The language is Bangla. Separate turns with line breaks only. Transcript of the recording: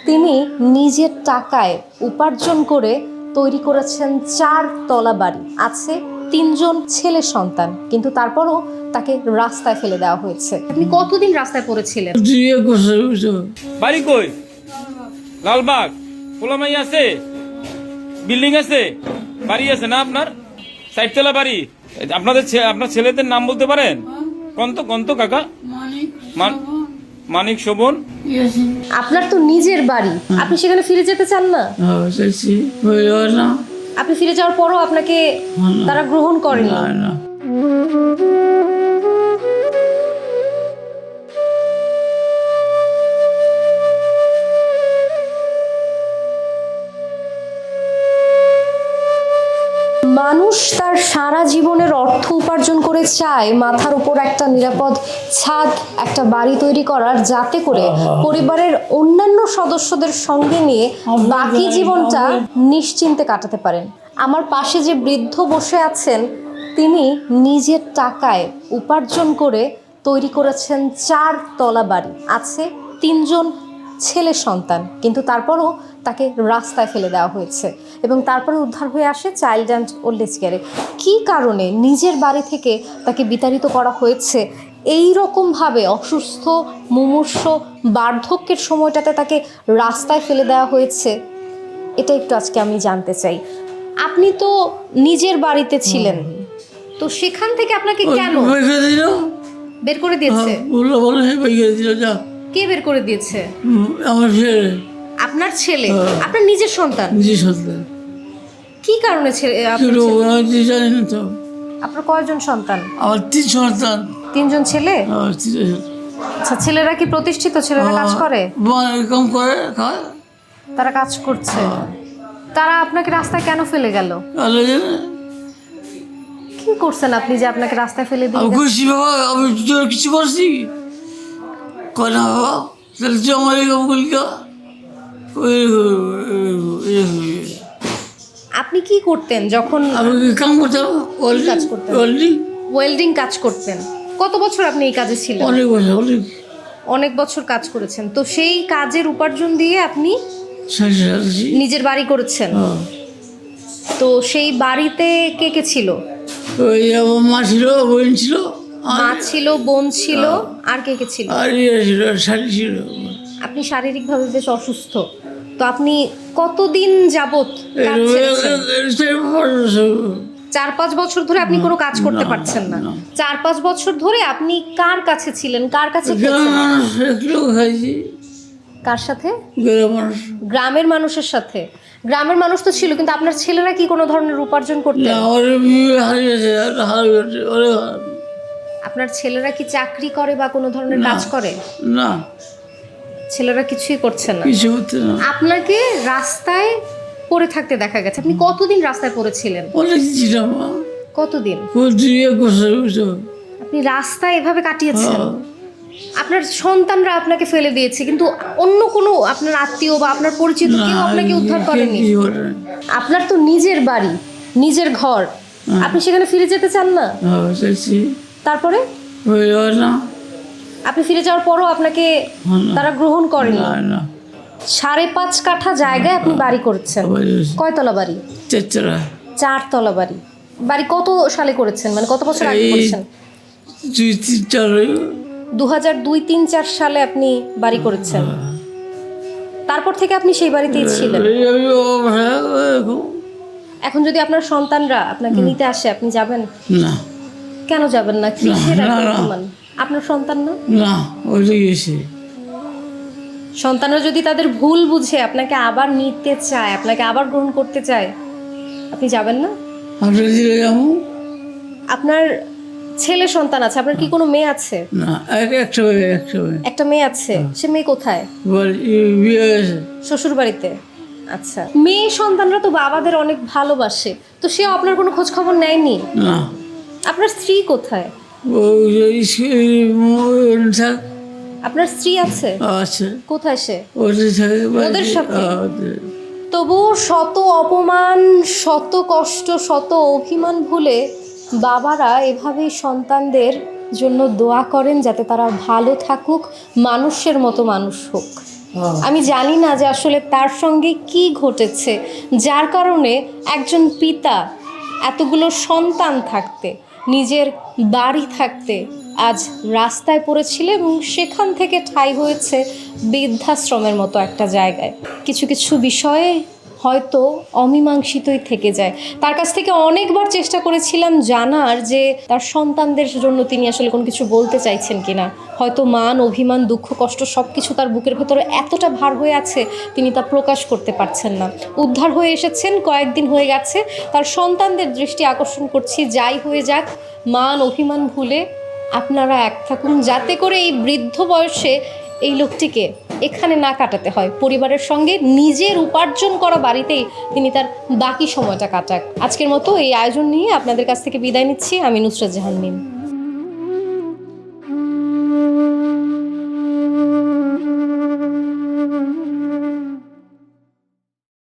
তিনি নিজের টাকায় উপার্জন করে তৈরি করেছেন 4 তলা বাড়ি, আছে 3জন ছেলে সন্তান, কিন্তু তারপরও তাকে রাস্তায় ফেলে দেওয়া হয়েছে। আপনি কতদিন রাস্তায় পড়েছিলেন?
বাড়ি কই? লালবাগ পোলামাই আছে, বিল্ডিং আছে, বাড়ি আছে না আপনার? সাইডতলা বাড়ি। আপনার ছেলেদের নাম বলতে পারেন? কন্ত কাকা? মানিক, শোভন।
আপনার তো নিজের বাড়ি, আপনি সেখানে ফিরে যেতে চান না? আপনি ফিরে যাওয়ার পরও আপনাকে তারা গ্রহণ করেনি? মানুষ তার সারা জীবনের অর্থ উপার্জন করে চায় মাথার উপর একটা নিরাপদ ছাদ, একটা বাড়ি তৈরি করার, যাতে করে পরিবারের অন্যান্য সদস্যদের সঙ্গে নিয়ে বাকি জীবনটা নিশ্চিন্তে কাটাতে পারেন। আমার পাশে যে বৃদ্ধ বসে আছেন, তিনি নিজের টাকায় উপার্জন করে তৈরি করেছেন 4 তলা বাড়ি, আছে 3জন ছেলে সন্তান, কিন্তু তারপরও তাকে রাস্তায় ফেলে দেওয়া হয়েছে এবং তারপরে উদ্ধার হয়ে আসে চাইল্ড অ্যান্ড ওল্ড এজ কেয়ারে। কী কারণে নিজের বাড়ি থেকে তাকে বিতাড়িত করা হয়েছে, এই রকমভাবে অসুস্থ মুমূর্ষ বার্ধক্যের সময়টাতে তাকে রাস্তায় ফেলে দেওয়া হয়েছে, এটা একটু আজকে আমি জানতে চাই। আপনি তো নিজের বাড়িতে ছিলেন, তো সেখান থেকে আপনাকে কেন বের করে দিয়েছে? কে বের করে দিয়েছে?
আমার ছেলে।
আপনার ছেলে? আপনার নিজের সন্তান?
নিজের সন্তান।
কি কারণে ছেলে?
জানি না তো।
আপনার কয়জন সন্তান?
আমার 3 সন্তান।
3জন ছেলে? আচ্ছা, ছেলেরা কি প্রতিষ্ঠিত? ছেলেরা কাজ করে?
কম করে খায়।
তারা কাজ করছে। তারা আপনাকে রাস্তায় কেন ফেলে গেল? কি করছেন আপনি যে আপনাকে রাস্তায় ফেলে দিয়ে?
খুশি বাবা, আমি কিছু করছি কনা বাবা, তাহলে তুই আমার এরকম করলি।
আপনি কি করতেন যখন?
আমি কাম করতাম,
কাজ করতেন, ওয়েল্ডিং কাজ করতেন। কত বছর আপনি এই কাজে ছিলেন? অনেক বছর কাজ করেছেন। তো সেই কাজের উপার্জন দিয়ে আপনি নিজের বাড়ি করেছেন। তো সেই বাড়িতে কে কে ছিল?
মা ছিল, বোন ছিল।
মা ছিল, বোন ছিল, আর কে কে ছিল?
ছিল।
আপনি শারীরিকভাবে বেশ অসুস্থ, তো আপনি কতদিন যাবত? 4-5 বছর ধরে আপনি কোনো কাজ করতে পারছেন না? 4-5 বছর ধরে আপনি কার কাছে ছিলেন? কার কাছে? কার সাথে? গ্রামের মানুষের সাথে। গ্রামের মানুষ তো ছিল, কিন্তু আপনার ছেলেরা কি কোনো ধরনের উপার্জন করতে? আপনার ছেলেরা কি চাকরি করে বা কোনো ধরনের কাজ করে?
না,
ছেলেরা কিছুই করছে না। আপনাকে রাস্তায় পড়ে থাকতে দেখা গেছে। আপনি কতদিন রাস্তায় পড়েছিলেন? কতদিন? আপনি রাস্তায় এভাবে কাটিয়েছেন? আপনার সন্তানরা আপনাকে ফেলে দিয়েছে, কিন্তু অন্য কোনো আপনার আত্মীয় বা আপনার পরিচিত কেউ আপনাকে উদ্ধার করেনি? আপনার তো নিজের বাড়ি, নিজের ঘর, আপনি সেখানে ফিরে যেতে চান না? তারপরে আপনি ফিরে যাওয়ার পরও আপনাকে তারা গ্রহণ করেনি? 5.5 কাঠা জায়গায় আপনি বাড়ি করেছেন। কয়তলা বাড়ি? 4 তলা বাড়ি। বাড়ি কত সালে করেছেন, মানে কত বছর আগে করেছেন? 2002-3-4 সালে আপনি বাড়ি করেছেন। তারপর থেকে আপনি সেই বাড়িতেই ছিলেন। এখন যদি আপনার সন্তানরা আপনাকে নিতে আসে, আপনি যাবেন?
না।
কেন যাবেন না? আপনার সন্তান না?
না,
সন্তানরা যদি তাদের ভুল বুঝে আপনাকে আবার নিতে চায়, আপনাকে আবার গ্রহণ করতে চায়, আপনি যাবেন না? আপনার ছেলে সন্তান আছে, আপনার কি কোনো মেয়ে আছে?
না,
একটা মেয়ে আছে। সে মেয়ে কোথায়? শ্বশুর বাড়িতে। আচ্ছা, মেয়ে সন্তানরা তো বাবাদের অনেক ভালোবাসে, তো সেও আপনার কোনো খোঁজ খবর নেয়নি?
না।
আপনার স্ত্রী কোথায়? আপনার স্ত্রী আছে? কোথায় সে? ওদের সাথে। তবু শত অপমান, শত কষ্ট, শত অভিমান ভুলে বাবারা এভাবেই সন্তানদের জন্য দোয়া করেন যাতে তারা ভালো থাকুক, মানুষের মতো মানুষ হোক। আমি জানি না যে আসলে তার সঙ্গে কি ঘটেছে, যার কারণে একজন পিতা এতগুলো সন্তান থাকতে, নিজের বাড়ি থাকতে আজ রাস্তায় পড়েছিল এবং সেখান থেকে ঠাঁই হয়েছে বৃদ্ধাশ্রমের মতো একটা জায়গায়। কিছু কিছু বিষয়ে হয়তো অমীমাংসিতই থেকে যায়। তার কাছ থেকে অনেকবার চেষ্টা করেছিলাম জানার যে তার সন্তানদের জন্য তিনি আসলে কোনো কিছু বলতে চাইছেন কিনা। হয়তো মান, অভিমান, দুঃখ, কষ্ট সব কিছু তার বুকের ভেতরে এতটা ভার হয়ে আছে, তিনি তা প্রকাশ করতে পারছেন না। উদ্ধার হয়ে এসেছেন, কয়েকদিন হয়ে গেছে। তার সন্তানদের দৃষ্টি আকর্ষণ করছি, যাই হয়ে যাক মান অভিমান ভুলে আপনারা এক থাকুন, যাতে করে এই বৃদ্ধ বয়সে এই লোকটিকে এখানে না কাটাতে হয়। পরিবারের সঙ্গে নিজের উপার্জন করা বাড়িতেই তিনি তার বাকি সময়টা কাটাক। আজকের মতো এই আয়োজন নিয়ে আপনাদের কাছ থেকে বিদায় নিচ্ছি। আমি নুসরাত জাহান মিম।